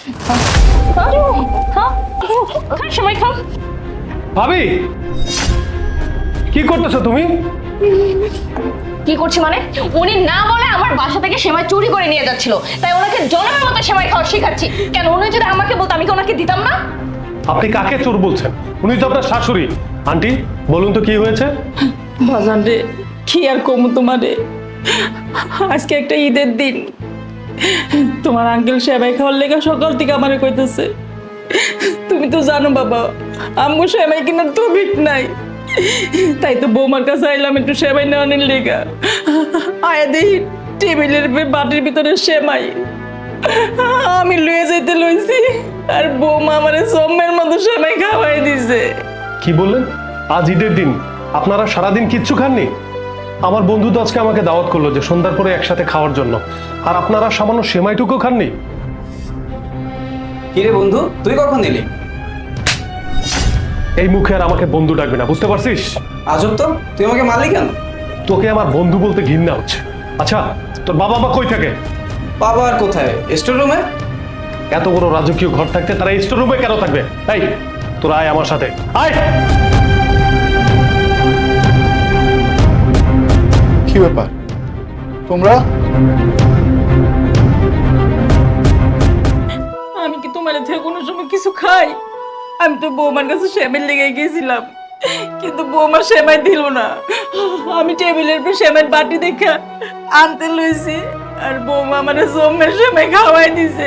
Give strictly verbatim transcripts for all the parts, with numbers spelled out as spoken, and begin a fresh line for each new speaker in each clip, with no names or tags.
সেমাই খাও।
ভাবি কি করতেছো তুমি?
কি করছি মানে? উনি না বলে আমার বাসা থেকে সেমাই চুরি করে নিয়ে যাচ্ছিল, তাই ওনাকে জনমের মতো সেমাই খাওয়া শেখাচ্ছি। কেন, উনি যদি আমাকে বলতো আমি কি ওনাকে দিতাম না?
আপনি কাকে চোর বলছেন? উনি তো আপনার শাশুড়ি। আন্টি বলুন তো কি হয়েছে?
বাজান রে, কি আর কমু তোমারে, আজকে একটা ঈদের দিন, তোমার আঙ্কেল সেমাই খাওয়ার লেগে সকাল থেকে আমারে কইতেছে। তুমি তো জানো বাবা, আমগো সেমাই কেনার তো ভিক নাই, তাই তো বৌমার কাছে আইলাম একটু সেমাই নেওয়ানোর লেগা। আয়া দেখি টেবিলের বাটির ভিতরে সেমাই, আমি লয়ে যেতে লইছি, আর বৌমা আমারে সম্মের মতো সেমাই খাওয়াই দিছে।
কি বললেন? আজ ঈদের দিন আপনারা সারাদিন কিচ্ছু খাননি? আমার বন্ধু তো আজকে আমাকে দাওয়াত করলো যে সন্ধ্যার পরে একসাথে খাওয়ার জন্য, আর আপনারা সামান্য সেমাইটুকু খাননি?
কিরে বন্ধু, তুই কখন এলি?
এই মুখে আর আমাকে বন্ধু ডাকবে না, বুঝতে পারছিস?
আজব তো, তুই আমাকে মারলি কেন?
তোকে আমার বন্ধু বলতে ঘৃণা হচ্ছে। আচ্ছা, তোর বাবা মা কই থাকে?
বাবা আর কোথায়? স্টোর রুমে।
এত বড় রাজকীয় ঘর থাকতে তারা স্টোর রুমে কেন থাকবে? তাই তোরা আয় আমার সাথে, আয়।
কি ব্যাপার তোমরা?
আমি কি তোমার থেকে কোনো সময় কিছু খাই? আমি তো বৌমার কাছে সেমাই লেগে গেছিলাম, কিন্তু বৌমা সেমাই দিল না। আমি টেবিলের উপর সেমাই বাটি দেখা আনতে লইছি, আর বৌমা আমার জমের সেমাই খাওয়াই দিছে।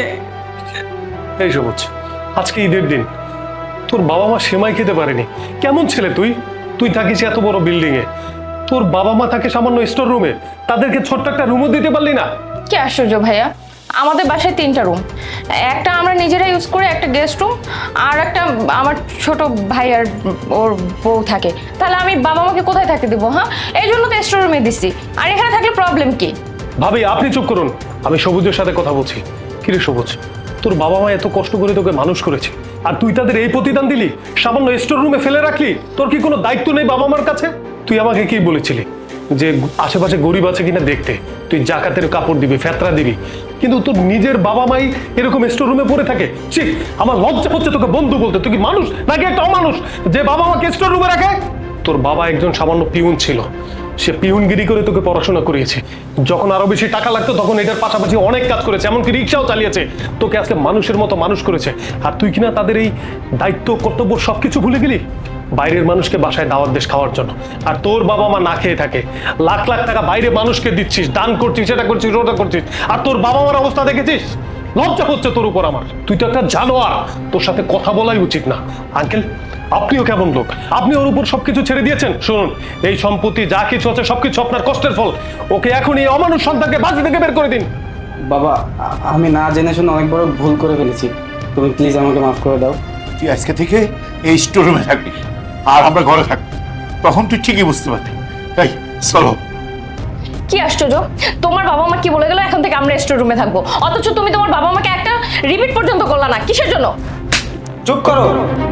এই সবুজ, আজকে ঈদের দিন, তোর বাবা মা সেমাই খেতে পারেনি। কেমন ছেলে তুই? তুই থাকিস এত বড় বিল্ডিং এ, তোর বাবা মা থাকে সামান্য স্টোর রুমে, তাদেরকে ছোট্ট একটা রুমও দিতে পারলি না?
কি আশ্চর্য ভাইয়া, আমাদের বাসায় তিনটা রুম, একটা আমরা নিজেরা ইউজ করি, একটা গেস্ট রুম, আর একটা আমার ছোট ভাই আর ওর বউ থাকে। তাহলে আমি বাবা মাকে কোথায় থাকতে দেবো? হ্যাঁ, এই জন্য তো স্টোর রুমে দিচ্ছি। আর এখানে থাকলে প্রবলেম কি?
ভাবি আপনি চুপ করুন, আমি সবুজের সাথে কথা বলছি। কিরে সবুজ, তোর বাবা মা এত কষ্ট করে তোকে মানুষ করেছে, আর তুই তাদের এই প্রতিদান দিলি, সামান্য স্টোর রুমে ফেলে রাখলি? তোর কি কোনো দায়িত্ব নেই বাবা মার কাছে? তুই আমাকে কি বলেছিলি যে আশেপাশে গরিব আছে কিনা দেখতে, তুই জাকাতের কাপড় দিবি, ফেতরা দিবি, কিন্তু তোর নিজের বাবা মাই এরকম স্টোর রুমে পড়ে থাকে। ছি, আমার লজ্জা হচ্ছে তোকে বন্ধু বলতে। তুই কি মানুষ নাকি একটা অমানুষ যে বাবা মাকে স্টোর রুমে রাখে? তোর বাবা একজন সামান্য পিউন ছিল, সে পিউনগিরি করে তোকে পড়াশোনা করিয়েছে। যখন আরো বেশি টাকা লাগতো তখন এটার পাশাপাশি অনেক কাজ করেছে, এমনকি রিক্সাও চালিয়েছে, তোকে আজকে মানুষের মতো মানুষ করেছে। আর তুই কিনা তাদের এই দায়িত্ব কর্তব্য সবকিছু ভুলে গেলি বাইরের মানুষকে বাসায় দাওয়াত দেশ খাওয়ার জন্য। আর তোর বাবা মা না খেয়ে থাকে, লাখ লাখ টাকা বাইরে মানুষকে দিচ্ছিস, দান করছিস, এটা করছিস, ওটা করছিস, আর তোর বাবা মার অবস্থা দেখেছিস? লজ্জা হচ্ছে তোর উপর আমার। তুই তো একটা জানোয়ার, তোর সাথে কথা বলাই উচিত না। আঙ্কেল আপনিও কেমন লোক, আপনি ওর উপর সবকিছু ছেড়ে দিয়েছেন। শুনুন, এই সম্পত্তি যা কিছু আছে সবকিছু আপনার কষ্টের ফল। ওকে এখন এই অমানুষ সন্তানকে বাড়ি থেকে বের করে দিন।
বাবা, আ- আমি না জেনে শুনে অনেক বড় ভুল করে ফেলেছি, তুমি প্লিজ আমাকে মাফ করে দাও।
তুই আজকে থেকে এই স্টোর রুমে থাকবি, আর আমরা ঘরে থাকবো, তখন তুই ঠিকই বুঝতে পারবি। তাই চলো।
কি আশ্চর্য, তোমার বাবা মা কি বলে গেল এখন থেকে আমরা স্টোর রুমে থাকবো, অথচ তুমি তোমার বাবা মাকে একটা রিপিট পর্যন্ত করলা না। কিসের জন্য?
চুপ করো।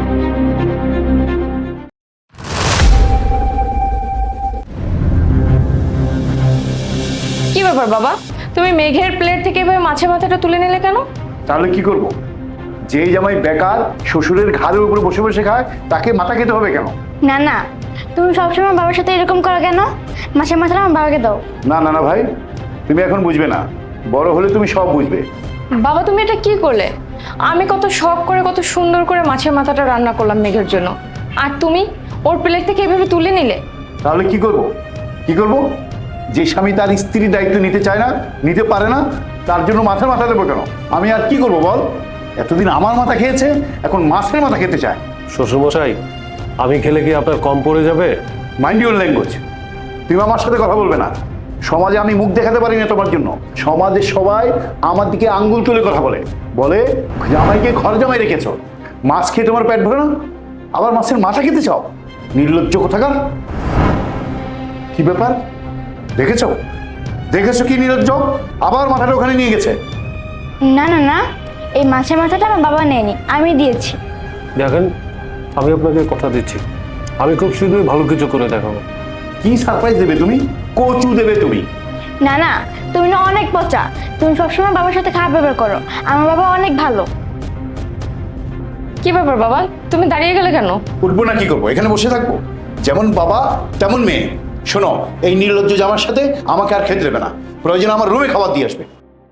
কি ব্যাপার বাবা, তুমি মেঘের প্লেট থেকে এভাবে মাছের মাথাটা তুলে নিলে কেন?
তাহলে কি করব? যেই জামাই বেকার শ্বশুরের ঘাড়ের উপরে বসে বসে খায়, তাকে মাথা খেতে হবে কেন?
না না, তুমি সবসময় বাবার সাথে এরকম করো কেন? মাসে মাসে আমার বাবাকে দাও।
না না না ভাই, তুমি এখন বুঝবে না, বড় হলে তুমি সব বুঝবে।
বাবা তুমি এটা কি করলে? আমি কত শখ করে কত সুন্দর করে মাছের মাথাটা রান্না করলাম মেঘের জন্য, আর তুমি ওর প্লেট থেকে এভাবে তুলে নিলে।
তাহলে কি করব? কি করব? যে স্বামী তার স্ত্রীর দায়িত্ব নিতে চায় না, নিতে পারে না, তার জন্য মাথার মাথা দেবো কেন? আমি আর কি করব বল? এতদিন আমার মাথা খেয়েছে, এখন মাছের মাথা খেতে চায়।
শ্বশুরমশাই, আমি খেলে কি আপনার কম পড়ে যাবে?
Mind your language. তুমি আমার সাথে কথা বলবে না। সমাজে আমি মুখ দেখাতে পারি না তোমার জন্য। সমাজে সবাই আমার দিকে আঙ্গুল তুলে কথা বলে, বলে জামাইকে ঘর জামাই রেখেছ, মাছ খেয়ে তোমার পেট ভরে না, আবার মাছের মাথা খেতে চাও? নির্লজ্জ কোথাকার। কি ব্যাপার? দেখেছো দেখেছো কি নির্লজ্জ? আবার মাথাটা ওখানে নিয়ে গেছে।
না না না, এই মাছের মাথাটা আমার বাবা নেয়নি, আমি দিয়েছি।
দেখেন, আমি আপনাকে কথা দিচ্ছি, আমি খুব শীঘ্রই ভালো কিছু করে দেখাবো।
কি সারপ্রাইজ দেবে তুমি? কচু দেবে তুমি?
না না, তুমি না অনেক পচা, তুমি সবসময় বাবার সাথে খারাপ ব্যবহার করো। আমার বাবা অনেক ভালো।
কি ব্যাপার বাবা, তুমি দাঁড়িয়ে গেলে কেন?
উঠবো না কি করবো, এখানে বসে থাকবো? যেমন বাবা তেমন মেয়ে। শোনো, এই নির্লজ্জ জামার সাথে আমাকে আর খেতে দেবে না, প্রয়োজন আমার রুমে খাবার দিয়ে আসবে।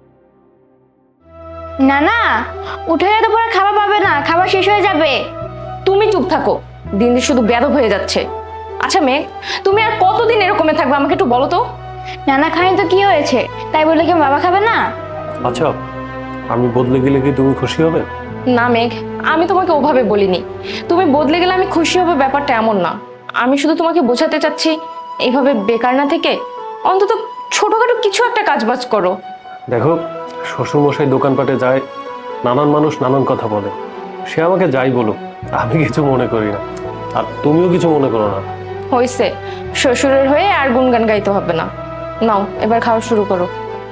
না না, উঠে গেলে তো পরে খাবার পাবে না, খাবার শেষ হয়ে যাবে।
তুমি চুপ থাকো, দিন দিন শুধু বেয়াদব হয়ে যাচ্ছে। আচ্ছা মেঘ, তুমি আর কতদিন এরকমে থাকবে আমাকে একটু বলো তো।
নানা খায়নি তো কি হয়েছে, তাই বলে কি বাবা খাবে না?
আচ্ছা, আমি বদলে গেলে কি তুমি খুশি হবে?
না মেঘ, আমি তোমাকে ওভাবে বলিনি। তুমি বদলে গেলে আমি খুশি হবে ব্যাপারটা এমন না। আমি শুধু তোমাকে বোঝাতে চাচ্ছি, এইভাবে বেকার না থেকে অন্তত ছোটখাটো কিছু একটা কাজবাজ করো।
দেখো, শ্বশুরমশাই দোকানপাটে যায়, নানান মানুষ নানান কথা বলে, সে আমাকে যাই বলুক আমি কিছু মনে করি না, আর তুমিও কিছু মনে করো না।
হয়েছে, শ্বশুরের হয়ে আর গুনগান গাইতে হবে না। নাও এবার খাওয়া শুরু করো।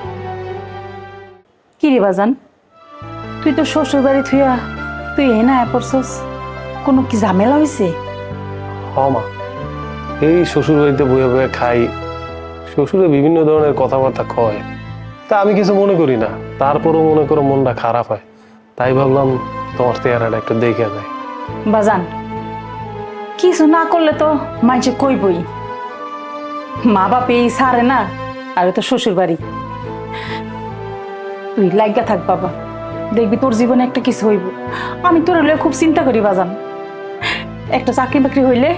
কি রে বাজান, তুই তো শ্বশুর বাড়ি থুইয়া তুই এ না পড়ছস, কোনো কি ঝামেলা হয়েছে?
হ মা, এই শ্বশুর বাড়িতে বয়ে বয়ে খাই, শ্বশুরে বিভিন্ন ধরনের কথাবার্তা কয়, তা আমি কিছু মনে করি না, তারপরও মনে করো মনটা খারাপ হয়, তাই ভাবলাম তোমার চেহারাটা একটু দেখে যায়।
বাজান, কিছু না করলে তো মাইছে কইবই, মা বাপ এই সারে না, আর তো শ্বশুর বাড়ি। তুই লাগা থাক বাবা, দেখবি তোর জীবনে একটা কিছু হইব। আমি তোর হলে খুব চিন্তা করি বাজান, একটা চাকরি বাকরি হইলে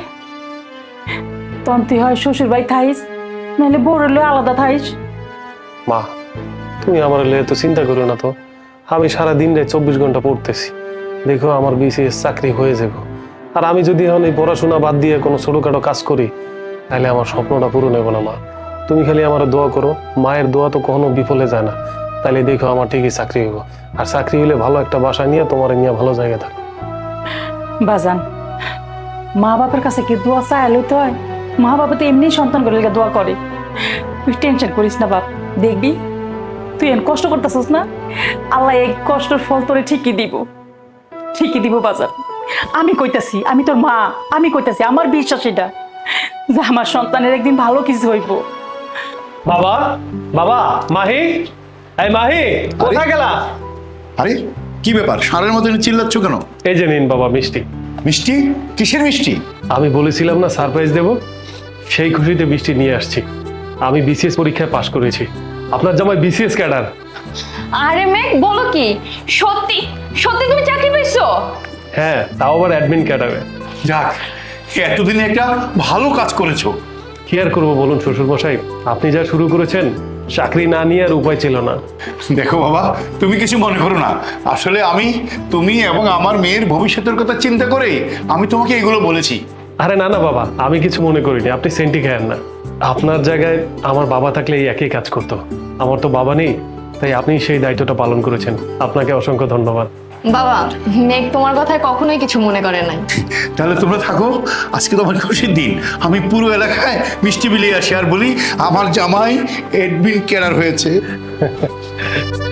তখন তুই হয় শ্বশুর বাড়ি থাইস, নাহলে বড় হলে আলাদা থাইস।
মা, তুমি আমার লেগে তো চিন্তা করো না তো, আমি সারা দিন রাত চব্বিশ ঘন্টা পড়তেছি, দেখো আমার বিসিএস চাকরি হয়ে যাবো, আর আমি যদি এখন এই পড়াশোনা বাদ দিয়ে কোনো ছোটোখাটো কাজ করি তাহলে আমার স্বপ্নটা পূরণ হবে না। মা, তুমি খালি আমার দোয়া করো, মায়ের দোয়া তো কখনো বিফলে যায় না, তাহলে দেখো আমার ঠিকই চাকরি হইব, আর চাকরি হলে ভালো একটা বাসা নিয়ে তোমার নিয়ে ভালো জায়গা থাকো।
বাজান, মা বাপের কাছে কি দোয়া চাইলে তো হয়? মা বাবা তো এমনি সন্তান করে দোয়া করে। তুই টেনশন করিস না বাপ, দেখবি তুই এন কষ্ট করতেছিস না, আল্লাহ এই কষ্টের ফল তোরে ঠিকই দিব, ঠিকই দিব বাজার। আমি কইতাছি, আমি তোর মা, আমি কইতাছি, আমার বিশ্বাস এটা যে আমার সন্তানের একদিন ভালো কিছু হইব।
বাবা, বাবা, মাহি, এই মাহি, কোথায় গেলা?
আরে কি ব্যাপার, ষাঁড়ের মতো চিল্লাচ্ছ কেন?
এই যে নিন বাবা মিষ্টি।
মিষ্টি? কিসের মিষ্টি?
আমি বলেছিলাম না সারপ্রাইজ দেব, সেই খুশিতে মিষ্টি নিয়ে আসছি। আমি বিসিএস পরীক্ষায় পাশ করেছি, আপনার জামাই বিসিএস ক্যাডার।
আরে মেঘ, বলো কি? সত্যি সত্যি তুমি চাকরি পেয়েছো?
হ্যাঁ, তাও আবার অ্যাডমিন ক্যাডারে।
যাক, এতদিনে একটা ভালো কাজ করেছো।
কি আর করবো বলুন শ্বশুরমশাই, আপনি যা শুরু করেছেন, চাকরি না নিয়ে আর উপায় ছিল না।
দেখো বাবা, তুমি কিছু মনে করো না, আসলে আমি তুমি এবং আমার মেয়ের ভবিষ্যতের কথা চিন্তা করে আমি তোমাকে এগুলো বলেছি।
আরে না না বাবা, আমি কিছু মনে করিনি, আপনি সেন্টি খায়েন না। আপনার জায়গায় আমার বাবা থাকলে এই একই কাজ করতো, আমার তো বাবা নেই, তাই আপনি সেই দায়িত্বটা পালন করেছেন, আপনাকে অসংখ্য ধন্যবাদ।
বাবা, মেঘ তোমার কথায় কখনোই কিছু মনে করে নাই।
তাহলে তোমরা থাকো, আজকে তোমার খুশির দিন, আমি পুরো এলাকায় মিষ্টি বিলিয়ে আসি আর বলি আমার জামাই এডমিন ক্যাডার হয়েছে।